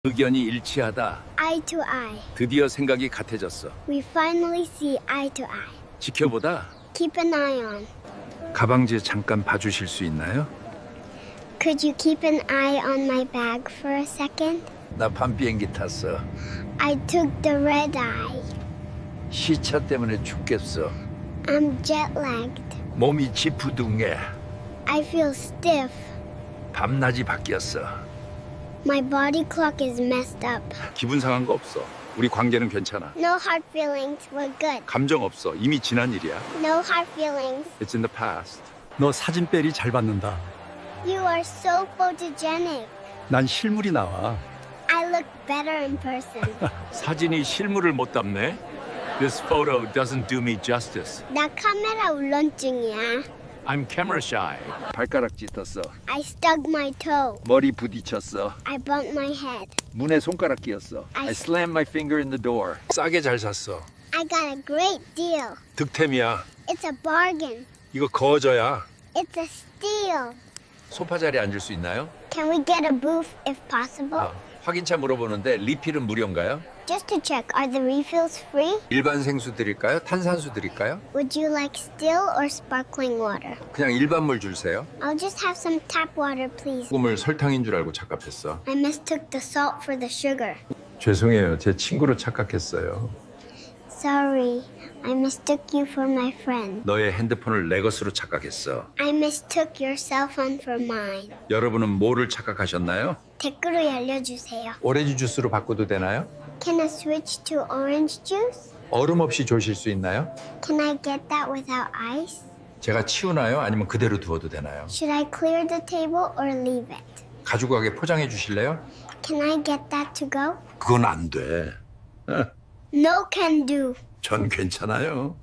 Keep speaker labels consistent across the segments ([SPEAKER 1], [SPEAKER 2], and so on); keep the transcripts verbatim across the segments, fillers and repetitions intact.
[SPEAKER 1] 의견이 일치하다.
[SPEAKER 2] Eye to eye.
[SPEAKER 1] 드디어 생각이 같아졌어.
[SPEAKER 2] We finally see eye to eye.
[SPEAKER 1] 지켜보다.
[SPEAKER 2] Keep an eye on.
[SPEAKER 1] 가방지 잠깐 봐주실 수 있나요?
[SPEAKER 2] Could you keep an eye on my bag for a second?
[SPEAKER 1] 나 밤 비행기 탔어.
[SPEAKER 2] I took the red eye.
[SPEAKER 1] 시차 때문에 죽겠어.
[SPEAKER 2] I'm jet lagged.
[SPEAKER 1] 몸이 지푸둥해.
[SPEAKER 2] I feel stiff.
[SPEAKER 1] 밤낮이 바뀌었어.
[SPEAKER 2] My body clock is messed up.
[SPEAKER 1] 기분 상한 거 없어. 우리 관계는 괜찮아.
[SPEAKER 2] No hard feelings. We're good.
[SPEAKER 1] 감정 없어. 이미 지난 일이야.
[SPEAKER 2] No hard feelings.
[SPEAKER 1] It's in the past.
[SPEAKER 3] 너 사진 뺄이 잘 받는다.
[SPEAKER 2] You are so photogenic.
[SPEAKER 3] 난 실물이 나와.
[SPEAKER 2] I look better in person.
[SPEAKER 1] 사진이 실물을 못 담네. This photo doesn't do me justice.
[SPEAKER 2] 나 카메라 울렁증이야.
[SPEAKER 1] I'm camera shy. 발가락 찢었어.
[SPEAKER 2] I stuck my toe.
[SPEAKER 1] 머리 부딪혔어.
[SPEAKER 2] I bumped my head.
[SPEAKER 1] 문에 손가락 끼었어.
[SPEAKER 2] I-
[SPEAKER 1] I slammed my finger in the door. 싸게 잘 샀어.
[SPEAKER 2] I got a great deal.
[SPEAKER 1] 득템이야.
[SPEAKER 2] It's a bargain.
[SPEAKER 1] 이거 거저야.
[SPEAKER 2] It's a steal.
[SPEAKER 1] 소파 자리에 앉을 수 있나요?
[SPEAKER 2] Can we get a booth if possible?
[SPEAKER 1] 아, 확인차 물어보는데 리필은 무료인가요?
[SPEAKER 2] Just to check, are the refills free?
[SPEAKER 1] 일반 생수 드릴까요? 탄산수 드릴까요?
[SPEAKER 2] Would you like still or sparkling water?
[SPEAKER 1] 그냥 일반 물 주세요.
[SPEAKER 2] I'll just have some tap water, please.
[SPEAKER 1] 꿈을 설탕인 줄 알고 착각했어.
[SPEAKER 2] I mistook the salt for the sugar.
[SPEAKER 1] 죄송해요. 제 친구로 착각했어요.
[SPEAKER 2] Sorry, I mistook you for my friend.
[SPEAKER 1] 너의 핸드폰을 내 것으로 착각했어.
[SPEAKER 2] I mistook your cell phone for mine.
[SPEAKER 1] 여러분은 뭐를 착각하셨나요?
[SPEAKER 2] 댓글로 알려주세요.
[SPEAKER 1] 오렌지 주스로 바꿔도 되나요?
[SPEAKER 2] Can I switch to orange juice?
[SPEAKER 1] 얼음 없이 조실 수 있나요?
[SPEAKER 2] Can I get that without ice?
[SPEAKER 1] 제가 치우나요? 아니면 그대로 두어도 되나요?
[SPEAKER 2] Should I clear the table or leave it?
[SPEAKER 1] 가지고 가게 포장해 주실래요?
[SPEAKER 2] Can I get that to go?
[SPEAKER 1] 그건 안 돼.
[SPEAKER 2] No can do.
[SPEAKER 1] 전 괜찮아요.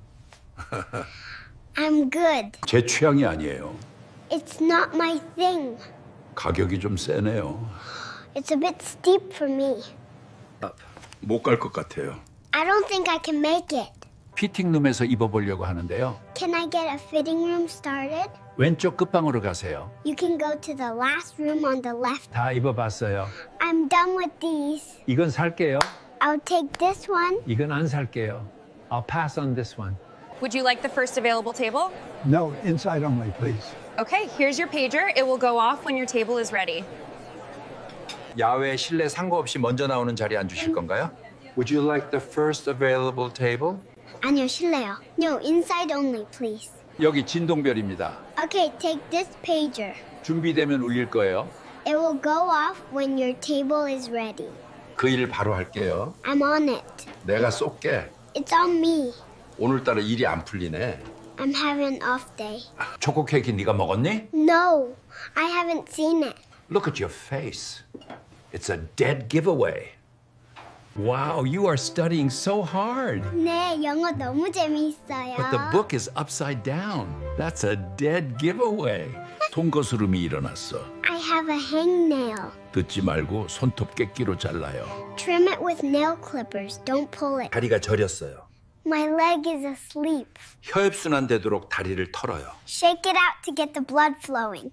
[SPEAKER 2] I'm good.
[SPEAKER 3] 제 취향이 아니에요.
[SPEAKER 2] It's not my thing.
[SPEAKER 3] 가격이 좀 세네요.
[SPEAKER 2] It's a bit steep for me.
[SPEAKER 1] 못 갈 것 같아요.
[SPEAKER 2] I don't think I can make it.
[SPEAKER 3] 피팅룸에서 입어보려고 하는데요.
[SPEAKER 2] Can I get a fitting room started?
[SPEAKER 3] 왼쪽 끝방으로 가세요.
[SPEAKER 2] You can go to the last room on the left.
[SPEAKER 3] 다 입어봤어요.
[SPEAKER 2] I'm done with these.
[SPEAKER 3] 이건 살게요.
[SPEAKER 2] I'll take this one.
[SPEAKER 3] 이건 안 살게요. I'll pass on this one.
[SPEAKER 4] Would you like the first available table?
[SPEAKER 5] No, inside only, please.
[SPEAKER 4] Okay, here's your pager. It will go off when your table is ready.
[SPEAKER 1] 야외 실내 상관없이 먼저 나오는 자리에 앉으실 건가요? Would you like the first available table?
[SPEAKER 2] 아니요, 실례요. No, inside only, please.
[SPEAKER 1] 여기 진동별입니다.
[SPEAKER 2] Okay, take this pager.
[SPEAKER 1] 준비되면 울릴 거예요.
[SPEAKER 2] It will go off when your table is ready.
[SPEAKER 1] 그 일 바로 할게요.
[SPEAKER 2] I'm on it.
[SPEAKER 1] 내가 쏠게.
[SPEAKER 2] It's on me.
[SPEAKER 1] 오늘따라 일이 안 풀리네.
[SPEAKER 2] I'm having an off day.
[SPEAKER 1] 초코 케이크 네가 먹었니?
[SPEAKER 2] No, I haven't seen it.
[SPEAKER 1] Look at your face. It's a dead giveaway.
[SPEAKER 3] Wow, you are studying so hard.
[SPEAKER 2] 네, 영어 너무 재미있어요.
[SPEAKER 3] But the book is upside down. That's a dead giveaway.
[SPEAKER 1] 통거스름이 일어났어.
[SPEAKER 2] I have a hangnail.
[SPEAKER 1] 듣지 말고 손톱 깨끼로 잘라요.
[SPEAKER 2] Trim it with nail clippers. Don't pull it.
[SPEAKER 1] 다리가 저렸어요.
[SPEAKER 2] My leg is asleep.
[SPEAKER 1] 혈액순환 되도록 다리를 털어요.
[SPEAKER 2] Shake it out to get the blood flowing.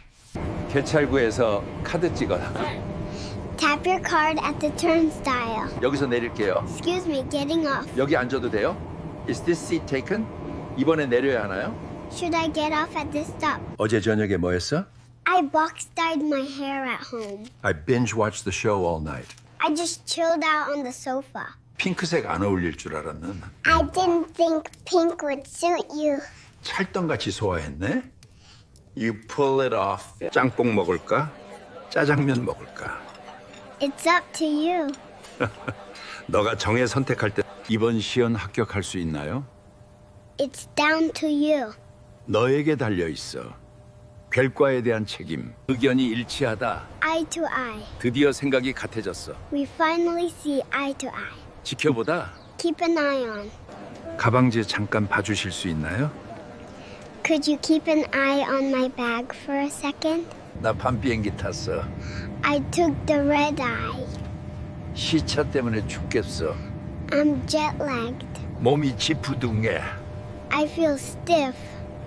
[SPEAKER 1] 개찰구에서 카드 찍어.
[SPEAKER 2] Tap your card at the turnstile.
[SPEAKER 1] 여기서 내릴게요.
[SPEAKER 2] Excuse me, getting off.
[SPEAKER 1] 여기 앉아도 돼요? Is this seat taken? 이번에 내려야 하나요?
[SPEAKER 2] Should I get off at this stop?
[SPEAKER 1] 어제 저녁에 뭐 했어?
[SPEAKER 2] I box dyed my hair at home.
[SPEAKER 1] I binge watched the show all night.
[SPEAKER 2] I just chilled out on the sofa.
[SPEAKER 1] 핑크색 안 어울릴 줄 알았는.
[SPEAKER 2] I didn't think pink would suit you.
[SPEAKER 1] 찰떡같이 소화했네. You pull it off. 짬뽕 먹을까? 짜장면 먹을까?
[SPEAKER 2] It's up to you.
[SPEAKER 1] 너가 정해 선택할 때 이번 시연 합격할 수 있나요?
[SPEAKER 2] It's down to you.
[SPEAKER 1] 너에게 달려 있어. 결과에 대한 책임. 의견이 일치하다.
[SPEAKER 2] Eye to eye.
[SPEAKER 1] 드디어 생각이 같아졌어.
[SPEAKER 2] We finally see eye to eye.
[SPEAKER 1] 지켜보다.
[SPEAKER 2] Keep an eye on.
[SPEAKER 1] 가방지 잠깐 봐주실 수 있나요?
[SPEAKER 2] Could you keep an eye on my bag for a second?
[SPEAKER 1] 나 밤 비행기 탔어.
[SPEAKER 2] I took the red eye.
[SPEAKER 1] 시차 때문에 죽겠어.
[SPEAKER 2] I'm jet lagged.
[SPEAKER 1] 몸이 지푸둥해.
[SPEAKER 2] I feel stiff.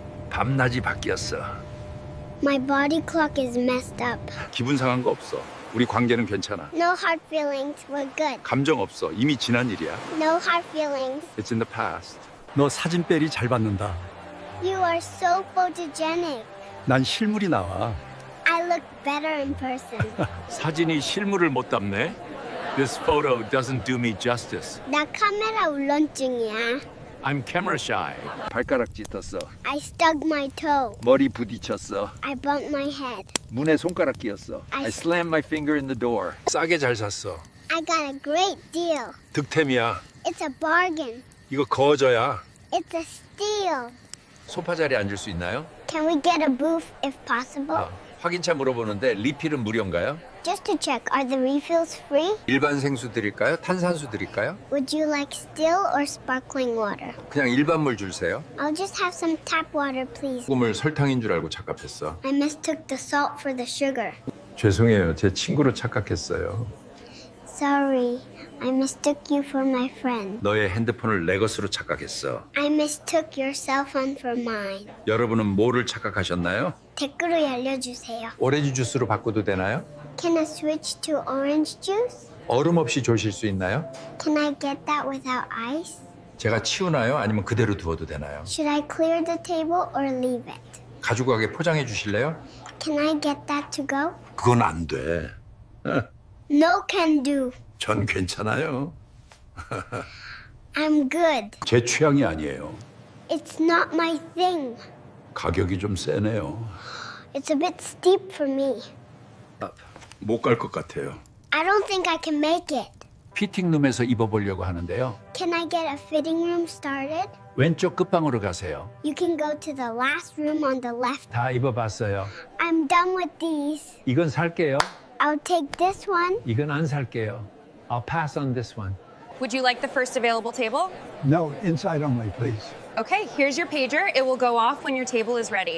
[SPEAKER 1] 밤낮이 바뀌었어.
[SPEAKER 2] My body clock is messed up.
[SPEAKER 1] 기분 상한 거 없어. 우리 관계는 괜찮아.
[SPEAKER 2] No hard feelings. We're good.
[SPEAKER 1] 감정 없어. 이미 지난 일이야.
[SPEAKER 2] No hard feelings.
[SPEAKER 1] It's in the past.
[SPEAKER 5] 너 사진빨이 잘 받는다.
[SPEAKER 2] You are so photogenic.
[SPEAKER 5] 난 실물이 나와.
[SPEAKER 2] I look better in person.
[SPEAKER 3] 사진이 실물을 못 담네. This photo doesn't do me justice.
[SPEAKER 2] 나 카메라 울렁증이야.
[SPEAKER 3] I'm camera shy.
[SPEAKER 1] 발가락 찢었어.
[SPEAKER 2] I stuck my toe.
[SPEAKER 1] 머리 부딪혔어.
[SPEAKER 2] I bumped my head.
[SPEAKER 1] 문에 손가락 끼었어.
[SPEAKER 2] I-
[SPEAKER 1] I slammed my finger in the door. 싸게 잘 샀어.
[SPEAKER 2] I got a great deal.
[SPEAKER 1] 득템이야.
[SPEAKER 2] It's a bargain.
[SPEAKER 1] 이거 거저야.
[SPEAKER 2] It's a steal.
[SPEAKER 1] 소파 자리에 앉을 수 있나요?
[SPEAKER 2] Can we get a booth if possible?
[SPEAKER 1] 아, 확인차 물어보는데 리필은 무료인가요?
[SPEAKER 2] Just to check, are the refills free?
[SPEAKER 1] 일반 생수 드릴까요? 탄산수 드릴까요?
[SPEAKER 2] Would you like still or sparkling water?
[SPEAKER 1] 그냥 일반 물 주세요.
[SPEAKER 2] I'll just have some tap water, please.
[SPEAKER 1] 소금을 설탕인 줄 알고 착각했어.
[SPEAKER 2] I mistook the salt for the sugar.
[SPEAKER 1] 죄송해요. 제 친구로 착각했어요.
[SPEAKER 2] Sorry, I mistook you for my friend.
[SPEAKER 1] 너의 핸드폰을 내 것으로 착각했어.
[SPEAKER 2] I mistook your cell phone for mine.
[SPEAKER 1] 여러분은 뭐를 착각하셨나요?
[SPEAKER 2] 댓글로 알려주세요.
[SPEAKER 1] 오렌지 주스로 바꿔도 되나요?
[SPEAKER 2] Can I switch to orange juice?
[SPEAKER 1] 얼음 없이 조실 수 있나요?
[SPEAKER 2] Can I get that without ice?
[SPEAKER 1] 제가 치우나요? 아니면 그대로 두어도 되나요?
[SPEAKER 2] Should I clear the table or leave it?
[SPEAKER 1] 가지고 가게 포장해 주실래요?
[SPEAKER 2] Can I get that to go?
[SPEAKER 1] 그건 안 돼.
[SPEAKER 2] No can do.
[SPEAKER 1] 전 괜찮아요.
[SPEAKER 2] I'm good.
[SPEAKER 5] 제 취향이 아니에요.
[SPEAKER 2] It's not my thing.
[SPEAKER 5] 가격이 좀 세네요.
[SPEAKER 2] It's a bit steep for me.
[SPEAKER 5] 못 갈 것 같아요.
[SPEAKER 2] I don't think I can make it.
[SPEAKER 3] 피팅룸에서 입어보려고 하는데요.
[SPEAKER 2] Can I get a fitting room started?
[SPEAKER 3] 왼쪽 끝방으로 가세요.
[SPEAKER 2] You can go to the last room on the left.
[SPEAKER 3] 다 입어봤어요.
[SPEAKER 2] I'm done with these.
[SPEAKER 3] 이건 살게요.
[SPEAKER 2] I'll take this one.
[SPEAKER 3] 이건 안 살게요. I'll pass on this one.
[SPEAKER 4] Would you like the first available table?
[SPEAKER 5] No, inside only, please.
[SPEAKER 4] Okay, here's your pager. It will go off when your table is ready.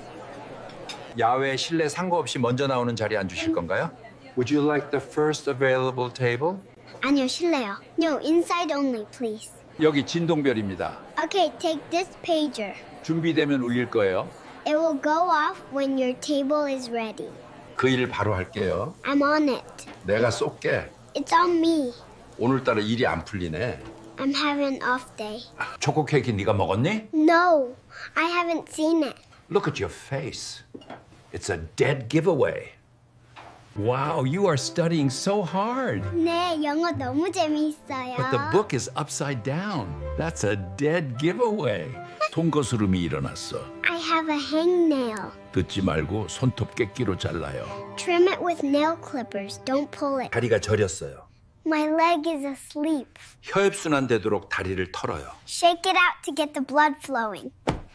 [SPEAKER 1] 야외 실내 상관없이 먼저 나오는 자리에 앉으실 건가요? Would you like the first available table?
[SPEAKER 2] 아니요, 실례요. No, inside only, please.
[SPEAKER 1] 여기 진동별입니다.
[SPEAKER 2] Okay, take this pager.
[SPEAKER 1] 준비되면 울릴 거예요.
[SPEAKER 2] It will go off when your table is ready.
[SPEAKER 1] 그 일 바로 할게요.
[SPEAKER 2] I'm on it.
[SPEAKER 1] 내가 쏠게.
[SPEAKER 2] It's on me.
[SPEAKER 1] 오늘따라 일이 안 풀리네.
[SPEAKER 2] I'm having an off day.
[SPEAKER 1] 초코 케이크 네가 먹었니?
[SPEAKER 2] No, I haven't seen it.
[SPEAKER 1] Look at your face. It's a dead giveaway.
[SPEAKER 3] Wow, you are studying so hard.
[SPEAKER 2] 네, 영어 너무 재미있어요.
[SPEAKER 3] But the book is upside down. That's a dead giveaway.
[SPEAKER 5] 통거스름이 일어났어.
[SPEAKER 2] I have a hangnail.
[SPEAKER 5] 듣지 말고 손톱 깨끼로 잘라요.
[SPEAKER 2] Trim it with nail clippers. Don't pull it.
[SPEAKER 1] 다리가 저렸어요.
[SPEAKER 2] My leg is asleep.
[SPEAKER 1] 혈액순환 되도록 다리를 털어요.
[SPEAKER 2] Shake it out to get the blood flowing.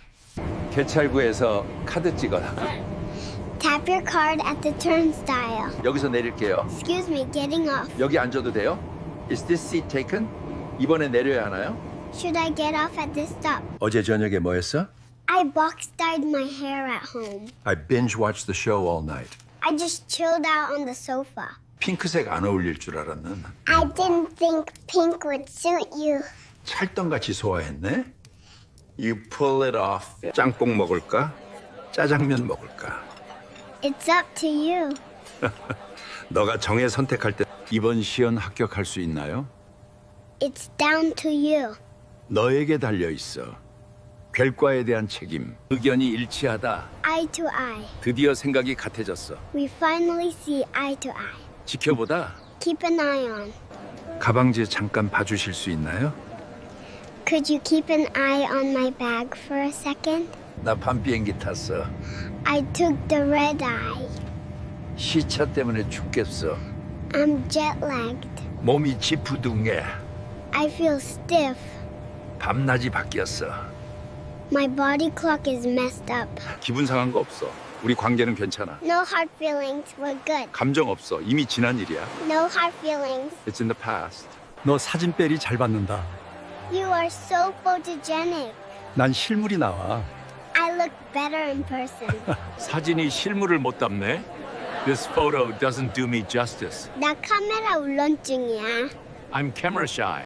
[SPEAKER 1] 개찰구에서 카드 찍어라.
[SPEAKER 2] Tap your card at the turnstile.
[SPEAKER 1] 여기서 내릴게요.
[SPEAKER 2] Excuse me, getting off.
[SPEAKER 1] 여기 앉아도 돼요? Is this seat taken? 이번에 내려야 하나요?
[SPEAKER 2] Should I get off at this stop?
[SPEAKER 1] 어제 저녁에 뭐 했어?
[SPEAKER 2] I box dyed my hair at home.
[SPEAKER 1] I binge watched the show all night.
[SPEAKER 2] I just chilled out on the sofa.
[SPEAKER 1] 핑크색 안 어울릴 줄 알았는.
[SPEAKER 2] I didn't think pink would suit you.
[SPEAKER 1] 찰떡같이 소화했네. You pull it off. 짬뽕 먹을까? 짜장면 먹을까?
[SPEAKER 2] It's up to you.
[SPEAKER 1] 너가 정해 선택할 때 이번 시연 합격할 수 있나요?
[SPEAKER 2] It's down to you.
[SPEAKER 1] 너에게 달려 있어. 결과에 대한 책임. 의견이 일치하다.
[SPEAKER 2] Eye to eye.
[SPEAKER 1] 드디어 생각이 같아졌어.
[SPEAKER 2] We finally see eye to eye.
[SPEAKER 1] 지켜보다.
[SPEAKER 2] Keep an eye on.
[SPEAKER 1] 가방지 잠깐 봐주실 수 있나요?
[SPEAKER 2] Could you keep an eye on my bag for a second?
[SPEAKER 1] 나 밤 비행기 탔어.
[SPEAKER 2] I took the red eye.
[SPEAKER 1] 시차 때문에 죽겠어.
[SPEAKER 2] I'm jet lagged.
[SPEAKER 1] 몸이 지푸둥해.
[SPEAKER 2] I feel stiff.
[SPEAKER 1] 밤낮이 바뀌었어.
[SPEAKER 2] My body clock is messed up.
[SPEAKER 1] 기분 상한 거 없어. 우리 관계는 괜찮아.
[SPEAKER 2] No hard feelings. We're good.
[SPEAKER 1] 감정 없어. 이미 지난 일이야.
[SPEAKER 2] No hard feelings.
[SPEAKER 1] It's in the past.
[SPEAKER 5] 너 사진빨이 잘 받는다.
[SPEAKER 2] You are so photogenic.
[SPEAKER 5] 난 실물이 나와.
[SPEAKER 2] I look better in person.
[SPEAKER 3] 사진이 실물을 못 담네. This photo doesn't do me justice.
[SPEAKER 2] 나 카메라 울렁증이야.
[SPEAKER 3] I'm camera shy.